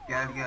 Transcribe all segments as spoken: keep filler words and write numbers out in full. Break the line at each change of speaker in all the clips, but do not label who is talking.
Gel gel.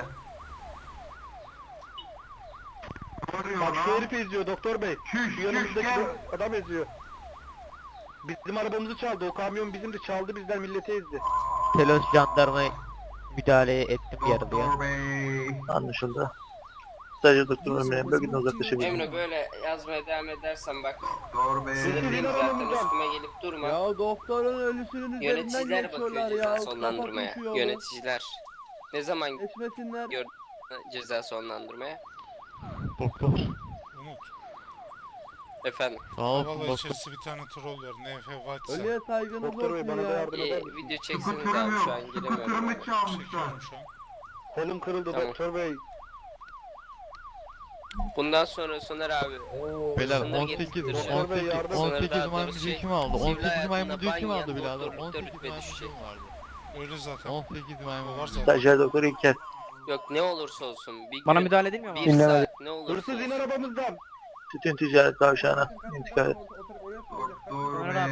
Bak şu herif eziyor doktor bey.
Şuş
Şu
şuş
yanımızdaki
gel.
adam eziyor. Bizim arabamızı çaldı. O kamyon bizim de çaldı, bizden milleti ezdi.
Telos jandarmaya müdahale ettim yaralıya.
Doktor bey.
Anlaşıldı. Sadece doktorun ömrüne bölgeden uzaklaşabilir.
Emre böyle yazmaya devam edersen bak.
Doktor bey.
Sinirliyim zaten, üstüme gelip durma.
Ya doktorun ölüsünün üzerinden
Yöneticiler
geçiyorlar
bakıyor
ya.
ceza sonlandırmaya.
Kafa koşuyor.
Yöneticiler. Ne zaman
Geçmesinler.
gör ceza sonlandırmaya?
Doktor.
Umut.
Efendim.
Sağ ol
Havalı
doktor.
içerisi bir tane troll var. N F Watson.
Ölüye saygınız
Doktor bey
olsun
bana da
ya.
yardım
Ee,
eder misin?
video çekseniz
Skuterim
abi, şu an
yok.
giremiyorum.
Skuterimi çalmışlar.
Çekiyorum şu an.
Kolum kırıldı
Tamam.
doktor bey.
Bundan sonra Soner abi.
Beyler
Sınır
on sekiz
getirteceğim.
Doktor bey yardım.
on
Sınır
sekiz
daha
maymuncu
doğrusu
kim aldı?
sivil
on sekiz
hayatında
maymuncu kim
banyo,
aldı birader?
doktorlukta
on sekiz
rütbe
maymuncu
düşecek.
kim vardı?
Öyle zaten.
on sekiz
O var
maymuncu.
zaten.
Stajyer doktor İlker.
Yok ne olursa olsun. Bir
Bana
gün,
müdahale edilmiyor mu
bir
abi?
saat ne olursa
Hırsız in
olsun.
arabamızdan.
Sütün ticaret kavşağına intikal et.
Doktor
Ömer abi,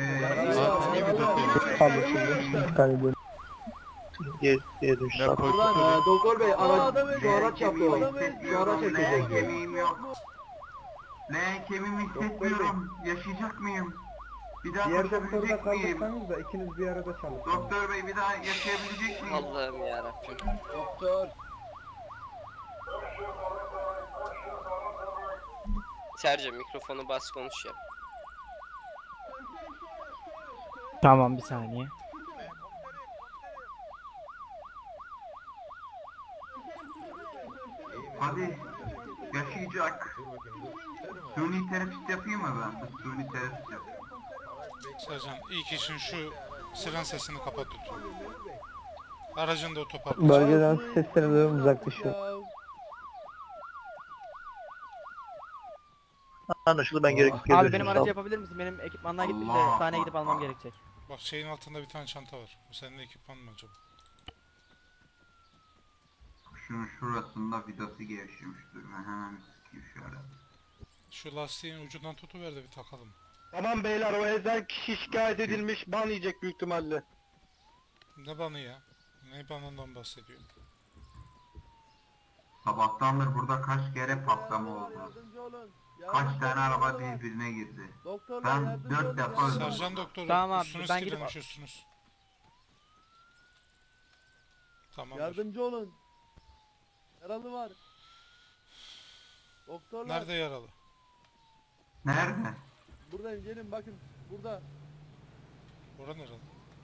bey.
Diğer, diğer dönüşler.
Ne koyduk?
Ee, doktor bey
Adam
araç, şu araç yaptı o.
kemiğimi
Şu araç
hissetmiyorum. Leğen
çekecek.
kemiğim yok. Leğen kemiğimi hissetmiyorum. Yaşayacak mıyım? Bir daha koşabilecek miyim?
da ikiniz bir arada çalışın.
Doktor bey bir daha yaşayabilecek miyim?
Allah'ım yarabbim.
Doktor.
Serce mikrofonu bas konuş ya.
Tamam bir saniye.
Hadi yaşayacak. Suni terapist yapayım mı ben? Suni terapist yapayım.
Sercan ilk işin şu siren sesini kapat lütfen. Aracın da otoparkı.
Bölgeden sesleri duyuyorum, uzaklaşıyor.
Anlaşıldı, ben gerekli geri
Abi
dönüşüm
benim
sağ
aracı
ol.
yapabilir misin? Benim ekipmanlar gitti de
Allah
sahneye gidip almam
Allah.
gerekecek.
Bak şeyin altında bir tane çanta var. Bu senin ekipman mı acaba?
Şunun şurasında vidası gevşemiş. Dur ben hemen sikeyim şu arada.
Şu lastiğin ucundan tutuver de bir takalım.
Tamam beyler, o ezen kişi şikayet edilmiş, ban yiyecek büyük ihtimalle.
Ne banı ya? Ne banından bahsediyor?
Sabahtandır burada kaç kere patlama oldu.
Yardımcı olun.
Kaç tane araba birbirine girdi.
Doktorlar
Ben
yardımcı
dört
olun.
defa öldüm.
Sercan doktoru
Tamam abi,
üstünüz
ben gidip-
kirlenmiş üstünüz. Tamam.
Yardımcı olun. Yaralı var. Doktorlar.
Nerede yaralı?
Nerede?
Buradayım, gelin bakın. Burada.
Oran yaralı.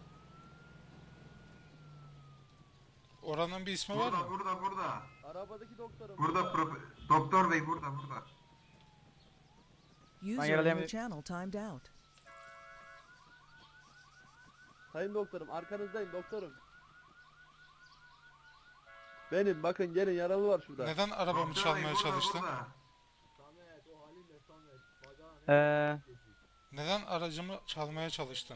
Oranın bir ismi var
Burada
mı?
burada burada.
Arabadaki doktorum.
Burada profe- doktor bey burada burada.
Ben
User in your
yaralayamıyorum.
channel timed out.
Sayın doktorum, arkanızdayım doktorum. Benim, bakın gelin, yaralı var şurada.
Neden arabamı
Doktor bey
çalmaya
burada,
çalıştın?
burada.
Ee,
Neden aracımı çalmaya çalıştın?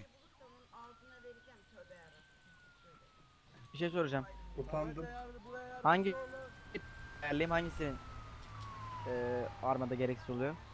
bir şey soracağım.
Utandım.
Hangi ayarlayayım, hangisinin ee, armada gereksiz oluyor?